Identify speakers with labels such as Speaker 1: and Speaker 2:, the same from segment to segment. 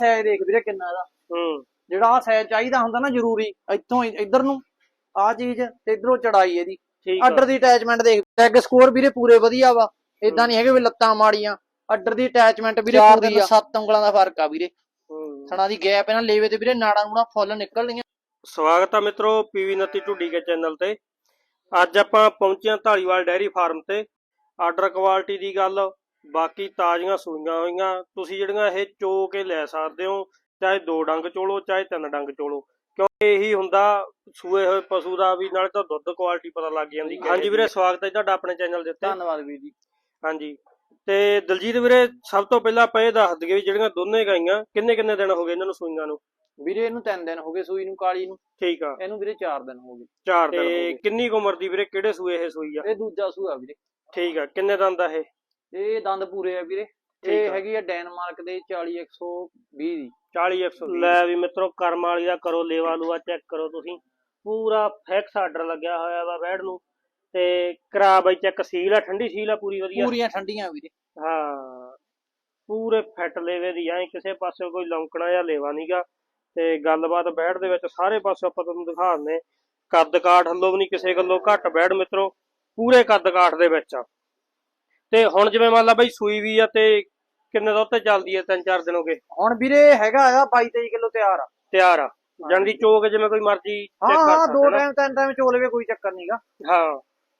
Speaker 1: Size ਦੇਖ ਵੀਰੇ ਕਿੰਨਾ ਇਹਦਾ। ਜਿਹੜਾ ਆ ਸਾਈਜ਼ ਚਾਹੀਦਾ ਹੁੰਦਾ ਨਾ ਜ਼ਰੂਰੀ, ਇੱਥੋਂ ਇੱਧਰ ਨੂੰ ਆ ਚੀਜ਼ ਤੇ ਇਧਰੋਂ ਚੜਾਈ ਇਹਦੀ। ਆਰਡਰ ਦੀ ਅਟੈਚਮੈਂਟ ਦੇਖ, ਲੈਗ ਸਕੋਰ ਵੀਰੇ ਪੂਰੇ ਵਧੀਆ ਵਾ, ਇਦਾਂ ਨਹੀਂ ਹੈਗੇ ਵੀ ਲੱਤਾਂ ਮਾੜੀਆਂ। ਆਰਡਰ ਦੀ ਅਟੈਚਮੈਂਟ ਵੀਰੇ ਪੂਰੀ ਆ, 7 ਉਂਗਲਾਂ ਦਾ ਫਰਕ ਆ ਵੀਰੇ। ਥਣਾ ਦੀ ਗੈਪ ਇਹਨਾਂ ਲੇਵੇ ਤੇ ਵੀਰੇ ਨਾੜਾਂ ਨੂੜਾਂ ਫੁੱਲ ਨਿਕਲਣੀਆਂ।
Speaker 2: ਸਵਾਗਤ ਆ ਮਿੱਤਰੋ ਪੀਵੀ 29 ਢੁੱਡੀ ਕੇ ਚੈਨਲ ਤੇ। ਅੱਜ ਆਪਾਂ ਪਹੁੰਚੇ ਹਾਂ ਢਾਲੀਵਾਲ ਡੈਰੀ ਫਾਰਮ ਤੇ। ਆਰਡਰ ਕੁਆਲਿਟੀ ਦੀ ਗੱਲ, ਬਾਕੀ ਤਾਜ਼ੀਆਂ ਸੂਈਆਂ ਹੋਈਆਂ ਤੁਸੀਂ ਜਿਹੜੀਆਂ ਇਹ ਚੋ ਕੇ ਲੈ ਸਕਦੇ ਹੋ, ਚਾਹੇ 2 ਡੰਗ ਚੋਲੋ ਚਾਹੇ 3 ਡੰਗ ਚੋਲੋ, ਕਿਉਂਕਿ ਇਹੀ ਹੁੰਦਾ ਸੂਏ ਹੋਏ ਪਸ਼ੂ ਦਾ ਵੀ, ਨਾਲੇ ਤਾਂ ਦੁੱਧ ਕੁਆਲਿਟੀ ਪਤਾ ਲੱਗ ਜਾਂਦੀ। ਹਾਂਜੀ ਵੀਰੇ, ਸਵਾਗਤ ਹੈ ਤੁਹਾਡਾ ਆਪਣੇ ਚੈਨਲ ਦੇ ਉੱਤੇ।
Speaker 1: ਧੰਨਵਾਦ ਵੀਰ ਜੀ।
Speaker 2: ਹਾਂਜੀ, ਤੇ ਦਲਜੀਤ ਵੀਰੇ ਸਭ ਤੋਂ ਪਹਿਲਾਂ ਆਪਾਂ ਇਹ ਦੱਸ ਦਈਏ ਵੀ ਜਿਹੜੀਆਂ ਦੋਨੇ ਗਾਈਆਂ ਕਿੰਨੇ ਦਿਨ ਹੋ ਗਏ ਇਹਨਾਂ ਨੂੰ ਸੂਈਆਂ ਨੂੰ?
Speaker 1: ਵੀਰੇ ਇਹਨੂੰ 3 ਦਿਨ ਹੋ ਗਏ ਸੂਈ ਨੂੰ, ਕਾਲੀ ਨੂੰ।
Speaker 2: ਠੀਕ ਆ।
Speaker 1: ਇਹਨੂੰ ਵੀਰੇ 4 ਦਿਨ ਹੋ ਗਏ।
Speaker 2: 4 ਦਿਨ। ਤੇ ਕਿੰਨੀ ਕੁ ਉਮਰ ਦੀ ਵੀਰੇ, ਕਿਹੜੇ ਸੂਏ ਇਹ ਸੂਈ ਆ?
Speaker 1: ਇਹ ਦੂਜਾ ਸੂਆ ਵੀਰੇ।
Speaker 2: ਠੀਕ ਆ। ਕਿੰਨੇ ਦੰਦ ਆ ਇਹ?
Speaker 1: ਇਹ ਦੰਦ ਪੂਰੇ ਆ ਵੀਰੇ। ਇਹ ਹੈਗੀ ਆ ਡੈਨਮਾਰਕ ਦੇ 40120 ਦੀ।
Speaker 2: 40120। ਲੈ ਵੀ ਮਿੱਤਰੋ, ਕਰਮ ਵਾਲੀ ਦਾ ਕਰੋ ਲੇਵਾ ਲੂਆ ਚੈੱਕ ਕਰੋ ਤੁਸੀਂ, ਪੂਰਾ ਫਿਕਸ ਆਰਡਰ ਲੱਗਿਆ ਹੋਇਆ ਵਾ ਬੈਡ ਨੂੰ। ਤੇ ਕਰਾ ਬਾਈ ਚੈੱਕ, ਸੀਲ ਆ, ਠੰਡੀ ਸੀਲ ਆ ਪੂਰੀ ਵਧੀਆ,
Speaker 1: ਪੂਰੀਆਂ ਠੰਡੀਆਂ ਵੀਰੇ।
Speaker 2: ਹਾਂ, ਪੂਰੇ ਫਿੱਟ ਲੇਵੇ ਦੀ, ਐ ਕਿਸੇ ਪਾਸੇ ਕੋਈ ਲੌਂਕਣਾ ਜਾਂ ਲੇਵਾ ਨਹੀਂਗਾ। ਤੇ ਗੱਲਬਾਤ ਬੈਡ ਦੇ ਵਿੱਚ ਸਾਰੇ ਪਾਸੇ ਆਪਾਂ ਤੁਹਾਨੂੰ ਦਿਖਾ ਦਿੰਦੇ। ਕੱਦ ਕਾਠ ਹੱਲੋਂ ਵੀ ਨਹੀਂ ਕਿਸੇ ਗੱਲੋਂ ਘੱਟ ਬੈਡ ਮਿੱਤਰੋ, ਪੂਰੇ ਕੱਦ ਕਾਠ ਦੇ ਵਿੱਚ ਆ। ਤੇ ਹੁਣ ਜਿਵੇਂ ਮੰਨ ਲਾ ਬਾਈ ਸੂਈ ਵੀ ਆ, ਤੇ ਕਿੰਨੇ ਦਾ ਉੱਤੇ ਚੱਲਦੀ ਹੈ? 3-4 ਦਿਨ ਹੋ ਗਏ
Speaker 1: ਹੁਣ ਵੀਰੇ। ਹੈਗਾ ਆ 22-23 ਕਿਲੋ
Speaker 2: ਤਿਆਰ ਆ ਜਾਨ ਦੀ ਚੋਕ, ਜਿਵੇਂ ਕੋਈ ਮਰਜੀ
Speaker 1: ਹਾਂ 2 ਟਾਈਮ 3 ਟਾਈਮ ਚੋ ਲਵੇ, ਕੋਈ ਚੱਕਰ ਨਹੀਂਗਾ।
Speaker 2: ਹਾਂ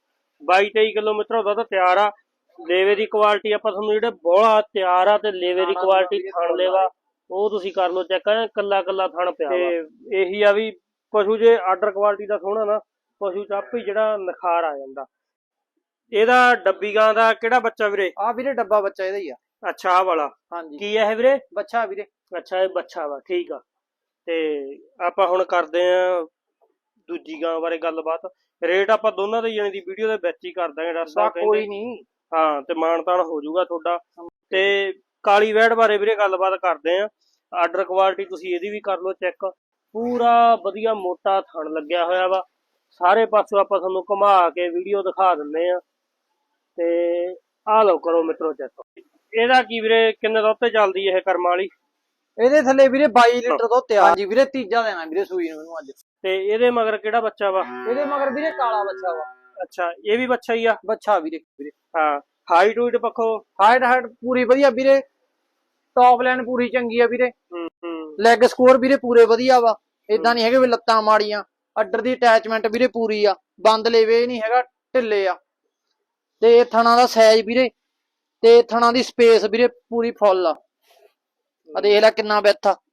Speaker 2: 22-23 ਕਿਲੋ ਮਿੱਤਰੋ ਦੁੱਧ ਤਿਆਰ ਆ। ਲੇਵੇ ਦੀ ਕੁਆਲਿਟੀ ਆਪਾਂ ਤੁਹਾਨੂੰ ਜਿਹੜੇ ਬੋਲਾ ਤਿਆਰ ਆ, ਤੇ ਲੇਵੇ ਦੀ ਕੁਆਲਿਟੀ ਥਣ ਲੇਵਾ ਉਹ ਤੁਸੀਂ ਕਰ ਲਓ ਚੈੱਕ, ਕੱਲਾ ਥਣ ਪਿਆ। ਤੇ ਇਹੀ ਆ ਵੀ ਪਸ਼ੂ ਜੇ ਆਰਡਰ ਕੁਆਲਿਟੀ ਦਾ ਸੋਹਣਾ ਨਾ, ਪਸ਼ੂ ਚ ਆਪੇ ਜਿਹੜਾ ਨਿਖਾਰ ਆ ਜਾਂਦਾ। ਇਹਦਾ ਡੱਬੀ ਗਾਂ ਦਾ ਕਿਹੜਾ ਬੱਚਾ ਵੀਰੇ?
Speaker 1: ਆ ਵੀਰੇ ਡੱਬਾ ਬੱਚਾ ਇਹਦਾ ਹੀ ਆ।
Speaker 2: ਅੱਛਾ, ਆ ਵਾਲਾ।
Speaker 1: ਹਾਂਜੀ।
Speaker 2: ਕੀ ਹੈ ਇਹ ਵੀਰੇ?
Speaker 1: ਬੱਚਾ ਵੀਰੇ।
Speaker 2: ਅੱਛਾ, ਇਹ ਬੱਚਾ ਵਾ। ਠੀਕ ਆ। ਤੇ ਆਪਾਂ ਹੁਣ ਕਰਦੇ ਆ ਦੂਜੀ ਗਾਂ ਬਾਰੇ ਗੱਲਬਾਤ। ਰੇਟ ਆਪਾਂ ਦੋਨਾਂ ਦੇ ਜਾਣੇ ਦੀ ਵੀਡੀਓ ਦੇ ਵਿੱਚ ਹੀ ਕਰ ਦਾਂਗੇ ਡਾਕਟਰ ਸਾਹਿਬ,
Speaker 1: ਕੋਈ ਨਹੀਂ।
Speaker 2: ਹਾਂ, ਤੇ ਮਾਨਤਾਨ ਹੋ ਜਾਊਗਾ ਤੁਹਾਡਾ। ਤੇ ਕਾਲੀ ਵੈੜ ਬਾਰੇ ਵੀਰੇ ਗੱਲਬਾਤ ਕਰਦੇ ਆ। ਆਰਡਰ ਕੁਆਲਿਟੀ ਤੁਸੀਂ ਇਹਦੀ ਵੀ ਕਰ ਲਓ ਚੈੱਕ, ਪੂਰਾ ਵਧੀਆ ਮੋਟਾ ਥਣ ਲੱਗਿਆ ਹੋਇਆ ਵਾ। ਸਾਰੇ ਪਾਸੋਂ ਆਪਾਂ ਤੁਹਾਨੂੰ ਘੁਮਾ ਕੇ ਵੀਡੀਓ ਦਿਖਾ ਦਿੰਦੇ ਆ। ਤੇ ਆਹ ਲਓ ਕਰੋ ਮਿੱਤਰੋ ਚੈੱਕ। ਇਹਦਾ ਕੀ ਵੀਰੇ, ਕਿੰਨੇ ਦਾ ਉੱਤੇ ਚੱਲਦੀ ਇਹ ਕਰਮ ਵਾਲੀ?
Speaker 1: ਇਹਦੇ ਥੱਲੇ ਵੀਰੇ 22 ਲੀਟਰ ਦੁੱਧ ਤਿਆਰ। ਹਾਂਜੀ ਵੀਰੇ, ਤੀਜਾ ਦੇਣਾ ਵੀਰੇ ਸੂਈ ਨੂੰ ਅੱਜ।
Speaker 2: ਤੇ ਇਹਦੇ ਮਗਰ ਕਿਹੜਾ ਬੱਚਾ ਵਾ?
Speaker 1: ਇਹਦੇ ਮਗਰ ਵੀਰੇ ਕਾਲਾ ਬੱਚਾ ਵਾ।
Speaker 2: ਅੱਛਾ, ਇਹ ਵੀ ਬੱਚਾ ਹੀ ਆ?
Speaker 1: ਬੱਚਾ ਵੀਰੇ।
Speaker 2: ਹਾਂ, ਹਾਈਟ ਹੂਟ ਪੱਖੋਂ?
Speaker 1: ਹਾਈਟ ਪੂਰੀ ਵਧੀਆ ਵੀਰੇ, ਟੌਪ ਲਾਈਨ ਪੂਰੀ ਚੰਗੀ ਆ ਵੀਰੇ। ਲੈਗ ਸਕੋਰ ਵੀਰੇ ਪੂਰੇ ਵਧੀਆ ਵਾ, ਇਦਾਂ ਨਹੀਂ ਹੈਗੇ ਵੀ ਲੱਤਾਂ ਮਾੜੀਆਂ। ਆਰਡਰ ਦੀ ਅਟੈਚਮੈਂਟ ਵੀਰੇ ਪੂਰੀ ਆ, ਬੰਦ ਲੇਵੇ ਨਹੀਂ ਹੈਗਾ, ਢਿੱਲੇ ਆ। ਤੇ ਥਣਾ ਦਾ ਸਾਈਜ਼ ਵੀਰੇ, ਤੇ ਥਣਾ ਦੀ ਸਪੇਸ ਵੀਰੇ ਪੂਰੀ ਫੁੱਲ ਆ। ਆ ਦੇਖ ਲੈ ਕਿੰਨਾ ਵਿੱਥ ਆ।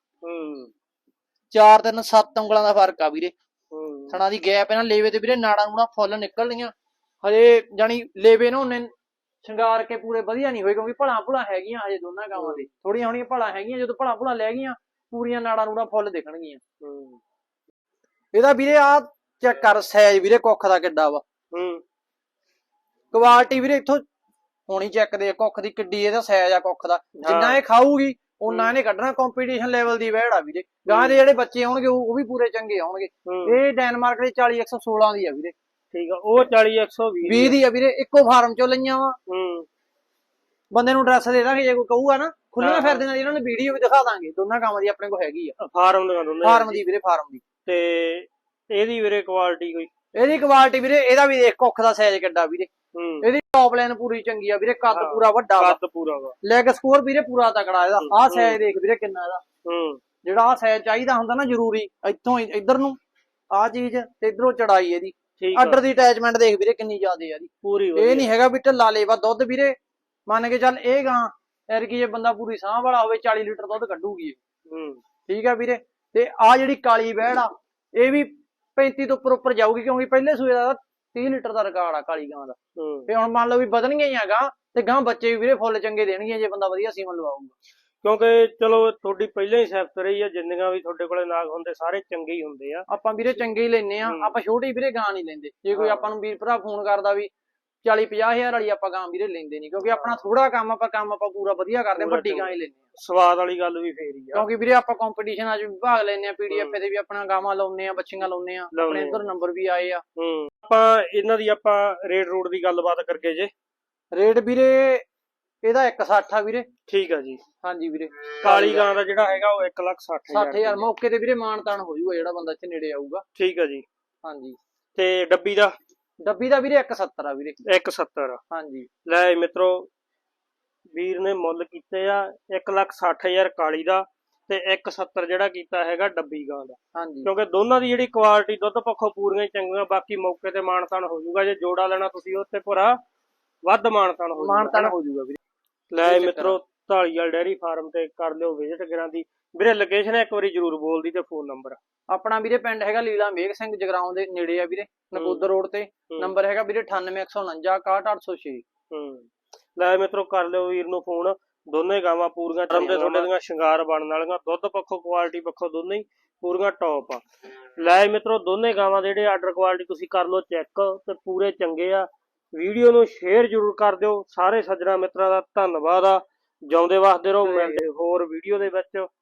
Speaker 1: 4-3-7 ਉਂਗਲਾਂ ਦਾ ਫਰਕ ਆ ਵੀਰੇ। ਥਣਾ ਦੀ ਗੈਪ ਇਹਨਾਂ ਲੇਵੇ ਤੇ ਵੀਰੇ ਨਾੜਾਂ ਨੂੜਾਂ ਫੁੱਲ ਨਿਕਲਣੀਆਂ। ਹਜੇ ਜਾਨੀ ਲੇਵੇ ਨੂੰ ਉਹਨੇ ਸ਼ਿੰਗਾਰ ਕੇ ਪੂਰੇ ਵਧੀਆ ਨਹੀਂ ਹੋਏ, ਕਿਉਂਕਿ ਭਲਾ ਹੈਗੀਆਂ ਹਜੇ ਦੋਨਾਂ ਗਾਵਾਂ ਦੇ। ਥੋੜੀਆਂ ਹੋਣੀਆਂ ਭਲਾ ਹੈਗੀਆਂ, ਜਦੋਂ ਭਲਾ ਲੈ ਗਈਆਂ ਪੂਰੀਆਂ ਨਾੜਾਂ ਨੂੜਾਂ ਫੁੱਲ ਦਿਖਣਗੀਆਂ। ਇਹਦਾ ਵੀਰੇ ਆ ਚੈੱਕ ਕਰ ਸਾਈਜ਼ ਵੀਰੇ, ਕੁੱਖ ਦਾ ਕਿੱਡਾ ਵਾ। ਕੁਆਲਿਟੀ ਵੀਰੇ ਇੱਥੋਂ ਹੋਣੀ ਚੈੱਕ ਦੇ, ਕੁੱਖ ਦੀ ਕਿੱਡੀ ਇਹਦਾ ਸਾਈਜ਼ ਆ ਕੁੱਖ ਦਾ। ਜਿੰਨਾ ਇਹ ਖਾਊਗੀ ਉਹਨਾਂ ਇਹਨੇ ਕੱਢਣਾ। ਕੰਪੀਟੀਸ਼ਨ ਲੈਵਲ ਦੀ ਵੈੜ ਆ ਵੀਰੇ। ਗਾਂ ਦੇ ਜਿਹੜੇ ਬੱਚੇ ਆਉਣਗੇ ਉਹ ਵੀ ਪੂਰੇ ਚੰਗੇ ਆਉਣਗੇ। ਇਹ ਡੈਨਮਾਰਕ ਦੇ 40116 ਦੀ ਆ ਵੀਰੇ।
Speaker 2: ਠੀਕ ਆ। ਉਹ 40120
Speaker 1: ਦੀ ਆ ਵੀਰੇ, ਇੱਕੋ ਫਾਰਮ ਚੋਂ ਲਈਆਂ ਵਾ। ਬੰਦੇ ਨੂੰ ਐਡਰੈਸ ਦੇ ਦਾਂਗੇ, ਜੇ ਕੋਈ ਕਹੂਗਾ ਨਾ। ਖੁੱਲੀਆਂ ਫਿਰਦੀਆਂ ਇਹਨਾਂ ਨੂੰ ਵੀਡੀਓ ਵੀ ਦਿਖਾ ਦਾਂਗੇ, ਦੋਨਾਂ ਕਾਮਾਂ ਦੀ ਆਪਣੇ ਕੋਲ ਹੈਗੀ ਆ।
Speaker 2: ਫਾਰਮ
Speaker 1: ਦੀ ਵੀਰੇ, ਫਾਰਮ ਦੀ।
Speaker 2: ਤੇ ਇਹਦੀ ਵੀਰੇ ਕੁਆਲਿਟੀ ਕੋਈ?
Speaker 1: ਇਹਦੀ ਕੁਆਲਿਟੀ ਵੀਰੇ, ਇਹਦਾ ਵੀ ਦੇਖ ਕੁੱਖ ਦਾ ਸਾਈਜ਼ ਕਿੱਡਾ ਵੀਰੇ। ਇਹਦੀ ਟੌਪ ਲਾਈਨ ਪੂਰੀ ਚੰਗੀ ਆ ਵੀਰੇ, ਕੱਦ ਪੂਰਾ ਵੱਡਾ ਵਾ।
Speaker 2: ਕੱਦ ਪੂਰਾ ਵਾ।
Speaker 1: ਲੈਗ ਸਕੋਰ ਵੀਰੇ ਪੂਰਾ ਤਕੜਾ ਇਹਦਾ। ਆਹ ਸਾਈਜ਼ ਦੇਖ ਵੀਰੇ ਕਿੰਨਾ ਇਹਦਾ। ਜਿਹੜਾ ਆਹ ਸਾਈਜ਼ ਚਾਹੀਦਾ ਹੁੰਦਾ ਨਾ ਜ਼ਰੂਰੀ, ਇੱਥੋਂ ਇੱਧਰ ਨੂੰ ਆਹ ਚੀਜ਼ ਤੇ ਇਧਰੋਂ ਚੜਾਈ ਇਹਦੀ। ਆਰਡਰ ਦੀ ਅਟੈਚਮੈਂਟ ਦੇਖ ਵੀਰੇ ਕਿੰਨੀ ਜ਼ਿਆਦੇ ਆ ਇਹਦੀ ਪੂਰੀ। ਇਹ ਨਹੀਂ ਹੈਗਾ ਵੀ ਢਿੱਲਾ ਲੇਵਾ। ਦੁੱਧ ਵੀਰੇ ਮੰਨ ਕੇ ਚੱਲ, ਇਹ ਗਾਂ ਐਰਕੀ ਜੇ ਬੰਦਾ ਪੂਰੀ ਸਾਂਭ ਵਾਲਾ ਹੋਵੇ 40 ਲੀਟਰ ਦੁੱਧ ਕੱਢੂਗੀ ਇਹ। ਠੀਕ ਆ ਵੀਰੇ। ਤੇ ਆਹ ਜਿਹੜੀ ਕਾਲੀ ਵੈੜ ਆ, ਇਹ ਵੀ 35 ਤੋਂ ਉੱਪਰ ਜਾਊਗੀ, ਕਿਉਂਕਿ ਪਹਿਲੇ ਸੂਏ ਦਾ 30 ਲੀਟਰ ਦਾ ਰਿਕਾਰਡ ਆ ਕਾਲੀ ਗਾਂ ਦਾ। ਤੇ ਹੁਣ ਮੰਨ ਲਓ ਵੀ ਵਧਣਗੀਆਂ ਹੀ ਆ ਗਾਂ, ਤੇ ਗਾਂ ਬੱਚੇ ਵੀ ਵੀਰੇ ਫੁੱਲ ਚੰਗੇ ਦੇਣਗੀਆਂ ਜੇ ਬੰਦਾ ਵਧੀਆ ਸੀਮਨ ਲਵਾਊਗਾ।
Speaker 2: ਕਿਉਂਕਿ ਚਲੋ ਤੁਹਾਡੀ ਪਹਿਲਾਂ ਹੀ ਸਿਫਤ ਰਹੀ ਆ, ਜਿੰਨੀਆਂ ਵੀ ਤੁਹਾਡੇ ਕੋਲੇ ਨਾਗ ਹੁੰਦੇ ਸਾਰੇ ਚੰਗੇ ਹੀ ਹੁੰਦੇ ਆ। ਆਪਾਂ
Speaker 1: ਵੀਰੇ ਚੰਗੇ ਹੀ ਲੈਨੇ ਆ, ਆਪਾਂ ਛੋਟੀ ਵੀਰੇ ਗਾਂ ਨਹੀਂ ਲੈਂਦੇ। ਜੇ ਕੋਈ ਆਪਾਂ ਨੂੰ ਵੀਰ ਭਰਾ ਫੋਨ ਕਰਦਾ ਵੀ 40-50 ਹਜ਼ਾਰ ਵਾਲੀ ਆਪਾਂ ਗਾਂ ਵੀਰੇ ਲੈਂਦੇ ਨਹੀਂ, ਕਿਉਂਕਿ ਆਪਣਾ ਥੋੜਾ ਕੰਮ ਆਪਾਂ ਪੂਰਾ ਵਧੀਆ ਕਰਦੇ, ਵੱਡੀ ਗਾਂ ਹੀ ਲੈਂਦੇ ਆ।
Speaker 2: ਸਵਾਦ ਵਾਲੀ ਗੱਲ ਵੀ ਫੇਰ ਹੀ ਆ,
Speaker 1: ਕਿਉਂਕਿ ਵੀਰੇ ਆਪਾਂ ਕੰਪੀਟੀਸ਼ਨ ਅੱਜ ਭਾਗ ਲੈਨੇ ਆ, PDF ਤੇ ਵੀ ਆਪਣਾ ਗਾਵਾਂ ਲਾਉਨੇ ਆ, ਬੱਚੀਆਂ ਲਾਉਨੇ ਆ, ਆਪਣੇ ਇੱਧਰ ਨੰਬਰ ਵੀ ਆਏ ਆ।
Speaker 2: ਆਪਾਂ ਇਹਨਾਂ ਦੀ ਆਪਾਂ ਰੇਟ ਰੂਟ ਦੀ ਗੱਲਬਾਤ ਕਰਕੇ ਜੇ।
Speaker 1: ਰੇਟ ਵੀਰੇ ਇਹਦਾ 160 ਆ ਵੀਰੇ।
Speaker 2: ਠੀਕ ਆ ਜੀ।
Speaker 1: ਹਾਂਜੀ ਵੀਰੇ।
Speaker 2: ਕਾਲੀ ਗਾਂ ਦਾ ਜਿਹੜਾ ਹੈਗਾ ਉਹ 1,60,000
Speaker 1: 60,000 ਮੌਕੇ ਤੇ ਵੀਰੇ ਮਾਨਤਾਨ ਹੋ ਜਾਊਗਾ ਜਿਹੜਾ ਬੰਦਾ ਇੱਥੇ ਨੇੜੇ ਆਊਗਾ।
Speaker 2: ਠੀਕ ਆ ਜੀ।
Speaker 1: ਹਾਂਜੀ।
Speaker 2: ਤੇ ਡੱਬੀ ਦਾ
Speaker 1: ਵੀਰੇ 170 ਆ ਵੀਰੇ।
Speaker 2: 170।
Speaker 1: ਹਾਂਜੀ।
Speaker 2: ਲੈ ਮਿੱਤਰੋ ਵੀਰ ਨੇ ਮੁੱਲ ਕੀਤੇ ਆ 1,60,000 ਕਾਲੀ ਦਾ ਤੇ 170 ਜਿਹੜਾ ਕੀਤਾ ਹੈਗਾ ਡੱਬੀ ਗਾਂ ਦਾ।
Speaker 1: ਹਾਂਜੀ।
Speaker 2: ਕਿਉਂਕਿ ਦੋਨਾਂ ਦੀ ਜਿਹੜੀ ਕੁਆਲਿਟੀ ਦੁੱਧ ਪੱਖੋਂ ਪੂਰੀਆਂ ਚੰਗੀਆਂ, ਬਾਕੀ ਮੌਕੇ ਤੇ ਮਾਨਤਾਨ ਹੋ ਜਾਊਗਾ। ਜੇ ਜੋੜਾ ਲੈਣਾ ਤੁਸੀਂ ਉੱਤੇ ਭਰਾ ਵੱਧ ਮਾਨਤਾਨ ਹੋ
Speaker 1: ਜਾਊਗਾ ਵੀਰੇ।
Speaker 2: ਲੈ ਮਿੱਤਰੋ ਢਾਲੀਵਾਲ ਡੈਰੀ ਫਾਰਮ ਤੇ ਕਰ ਲਿਓ ਵਿਜ਼ਿਟ ਕਰਾਂ ਦੀ ਵੀਰੇ। ਲੋਕੇਸ਼ਨ ਇੱਕ ਵਾਰੀ ਜਰੂਰ ਬੋਲ ਦੀ ਤੇ ਫੋਨ ਨੰਬਰ।
Speaker 1: ਆਪਣਾ ਵੀਰੇ ਪਿੰਡ ਹੈਗਾ ਲੀਲਾ ਮੇਘ ਸਿੰਘ, ਜਗਰਾਉਂ ਦੇ ਨੇੜੇ ਆ ਵੀਰੇ, ਨਕੋਦਰ ਰੋਡ ਤੇ। ਨੰਬਰ ਹੈਗਾ ਵੀਰੇ 98 149 61 806।
Speaker 2: ਲੈ ਮਿੱਤਰੋ ਕਰ ਲਿਓ ਵੀਰ ਨੂੰ ਫੋਨ। ਦੋਨੇ ਗਾਵਾਂ ਪੂਰੀਆਂ ਚੰਗੇ, ਤੁਹਾਡੇ ਦੀਆਂ ਸ਼ਿੰਗਾਰ ਬਣਨ ਵਾਲੀਆਂ, ਦੁੱਧ ਪੱਖੋਂ ਕੁਆਲਿਟੀ ਪੱਖੋਂ ਦੋਨੇ ਹੀ ਪੂਰੀਆਂ ਟੌਪ ਆ। ਲੈ ਮਿੱਤਰੋ ਦੋਨੇ ਗਾਵਾਂ ਜਿਹੜੇ ਆਰਡਰ ਕੁਆਲਿਟੀ ਤੁਸੀਂ ਕਰ ਲਓ ਚੈੱਕ, ਤੇ ਪੂਰੇ ਚੰਗੇ ਆ। ਵੀਡੀਓ ਨੂੰ ਸ਼ੇਅਰ ਜ਼ਰੂਰ ਕਰ ਦਿਓ। ਸਾਰੇ ਸੱਜਣਾ ਮਿੱਤਰਾਂ ਦਾ ਧੰਨਵਾਦ ਆ। ਜਿਉਂਦੇ ਵਸਦੇ ਰਹੋ। ਮਿਲਦੇ ਹੋਰ ਵੀਡੀਓ ਦੇ ਵਿੱਚ।